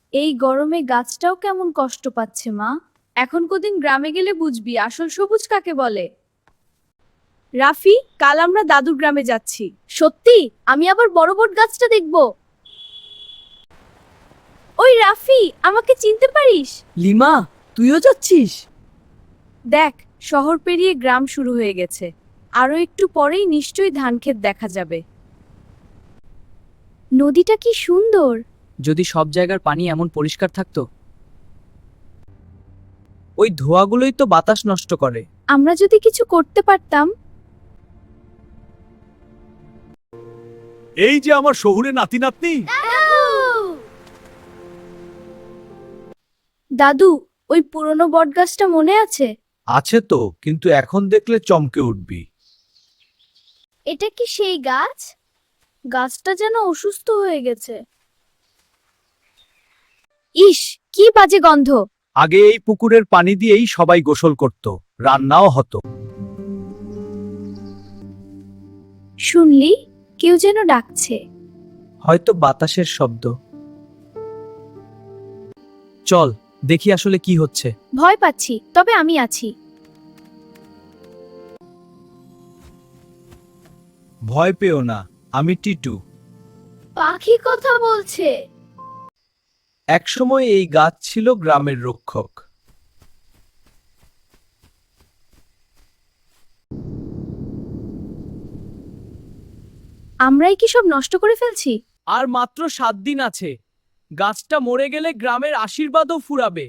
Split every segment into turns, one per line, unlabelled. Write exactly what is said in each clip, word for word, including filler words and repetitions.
এই গরমে গাছটাও কেমন কষ্ট পাচ্ছে মা। এখন কদিন গ্রামে গেলে বুঝবি আসল সবুজ কাকে বলে। রাফি, কাল আমরা দাদুর গ্রামে যাচ্ছি। সত্যি? আমি আবার বড় বট গাছটা দেখব। ওই রাফি, আমাকে চিনতে পারিস?
লিমা, তুইও যাচ্ছিস?
দেখ, শহর পেরিয়ে গ্রাম শুরু হয়ে গেছে। আরো একটু পরেই নিশ্চয়ই ধানক্ষেত দেখা যাবে। নদীটা কি সুন্দর।
যদি সব জায়গার পানি এমন পরিষ্কার থাকতো। ওই ধোঁয়াগুলোই তো বাতাস নষ্ট করে।
আমরা যদি কিছু করতে পারতাম।
এই যে আমার শহুরে নাতি নাতনি।
দাদু, ওই পুরনো বটগাছটা মনে আছে?
আছে তো, কিন্তু এখন দেখলে চমকে উঠবি।
এটা কি সেই গাছ? গাছটা যেন অসুস্থ হয়ে গেছে। ইস, কি বাজে গন্ধ।
আগে এই পুকুরের পানি দিয়েই সবাই গোসল করত, রান্নাও হতো।
শুনলি, কেউ যেন ডাকছে।
হয়তো বাতাসের শব্দ। চল দেখি আসলে কি হচ্ছে।
ভয় পাচ্ছি, তবে আমি আছি।
ভয় পেও না, আমি টিটু।
পাখি কথা বলছে।
একসময় এই গাছ ছিল গ্রামের রক্ষক।
আমরাই কি সব নষ্ট করে ফেলছি?
আর মাত্র সাত দিন আছে। গাছটা মরে গেলে গ্রামের আশীর্বাদও ফুরাবে।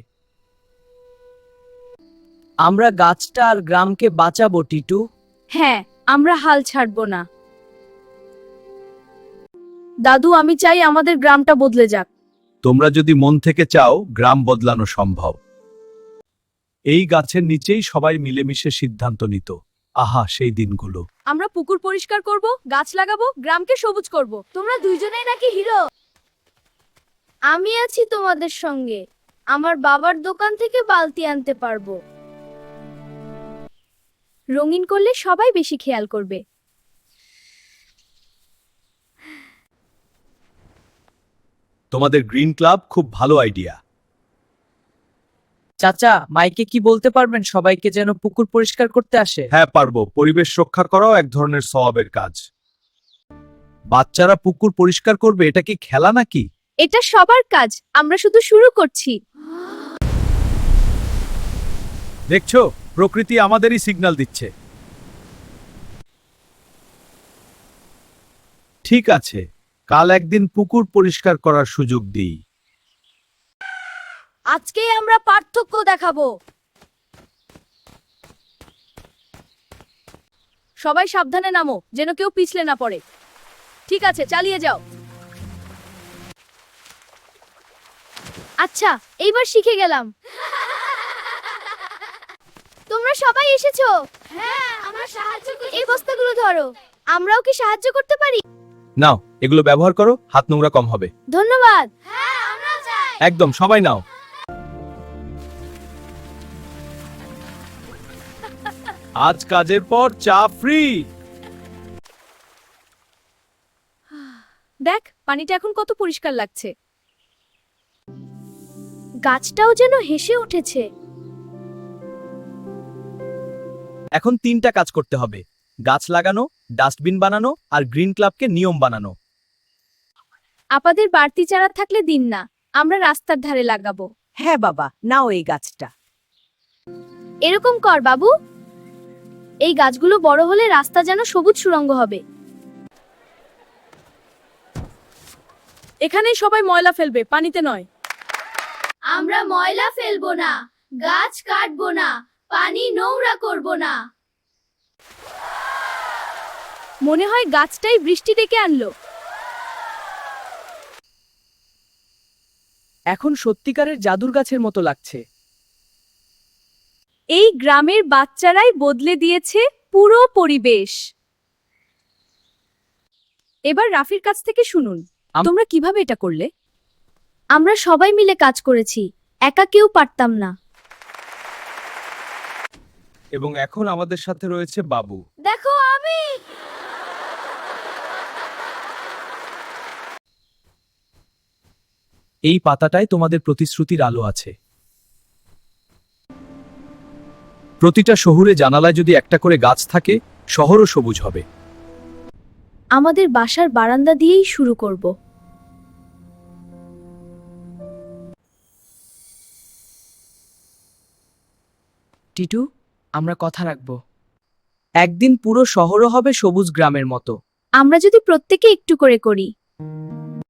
আমরা গাছটা আর গ্রামকে বাঁচাবো টিটু।
হ্যাঁ, আমরা হাল ছাড়বো না। দাদু, আমি চাই আমাদের গ্রামটা বদলে যাক।
তোমরা যদি মন থেকে চাও, গ্রাম বদলানো সম্ভব। এই গাছের নিচেই সবাই মিলেমিশে সিদ্ধান্ত নিত। আহা, সেই দিনগুলো।
আমরা পুকুর পরিষ্কার করব, গাছ লাগাবো, গ্রামকে সবুজ করব। তোমরা দুইজনেই নাকি হিরো। আমি আছি তোমাদের সঙ্গে। আমার বাবার দোকান থেকে বালতি আনতে পারবো। রঙিন করলে সবাই বেশি খেয়াল করবে।
তোমাদের গ্রিন ক্লাব খুব ভালো আইডিয়া।
চাচা, মাইকে কি বলতে পারবেন সবাইকে যেন পুকুর পরিষ্কার করতে আসে?
হ্যাঁ পারবো, পরিবেশ রক্ষা করাও এক ধরনের সওয়াবের কাজ। বাচ্চারা পুকুর পরিষ্কার করবে, এটা কি খেলা নাকি?
এটা সবার কাজ, আমরা শুধু শুরু করছি।
দেখছো, প্রকৃতি আমাদেরই সিগন্যাল দিচ্ছে। ঠিক আছে, কাল একদিন পুকুর পরিষ্কার করার সুযোগ দিই।
আজকেই আমরা পার্থক্য দেখাবো। সবাই সাবধানে নামো, যেন কেউ পিছলে না পড়ে। ঠিক আছে, চালিয়ে যাও। আচ্ছা, এইবার শিখে গেলাম। তোমরা সবাই এসেছো? হ্যাঁ, আমরা সাহায্য করতে। এই বস্তাগুলো ধরো। আমরাও কি সাহায্য করতে পারি?
নাও, এগুলো ব্যবহার করো, হাত নোংরা কম হবে।
ধন্যবাদ। হ্যাঁ, আমরাও চাই।
একদম, সবাই নাও। আজ কাজের পর চা ফ্রি।
দেখ, পানিটা এখন কত পরিষ্কার লাগছে। গাছটাও যেন হেসে উঠেছে।
এখন তিনটা কাজ করতে হবে: গাছ লাগানো, ডাস্টবিন বানানো আর গ্রিন ক্লাবকে নিয়ম বানানো।
আপাদের বাড়তি চারা থাকলে দিন না, আমরা রাস্তার ধারে লাগাবো।
হ্যাঁ বাবা, নাও এই গাছটা।
এরকম কর বাবু। এই গাছগুলো বড় হলে রাস্তা যেন সবুজ সুড়ঙ্গ হবে।
এখানেই সবাই ময়লা ফেলবে, পানিতে নয়।
আমরা ময়লা ফেলবো না, গাছ কাটবো না, পানি নোংরা করব না। মনে হয় গাছটাই বৃষ্টি ডেকে আনলো।
এখন সত্যিকারের জাদুর গাছের মতো লাগছে।
এই গ্রামের বাচ্চারাই বদলে দিয়েছে পুরো পরিবেশ। এবার রাফির কাছ থেকে শুনুন,
আম-
তোমরা কিভাবে এটা করলে? আমরা সবাই মিলে কাজ করেছি, একা কেউ পারতাম না।
এবং এখন আমাদের সাথে রয়েছে বাবু।
দেখো আমি।
এই পাতাটায় তোমাদের প্রতিশ্রুতির আলো আছে। প্রতিটা শহুরে জানালায় যদি একটা করে গাছ থাকে, শহরও সবুজ হবে।
আমাদের বাসার বারান্দা দিয়েই শুরু করব।
টিটু, আমরা কথা রাখব। একদিন পুরো শহরও হবে সবুজ গ্রামের মতো।
আমরা যদি প্রত্যেকে একটু করে করি।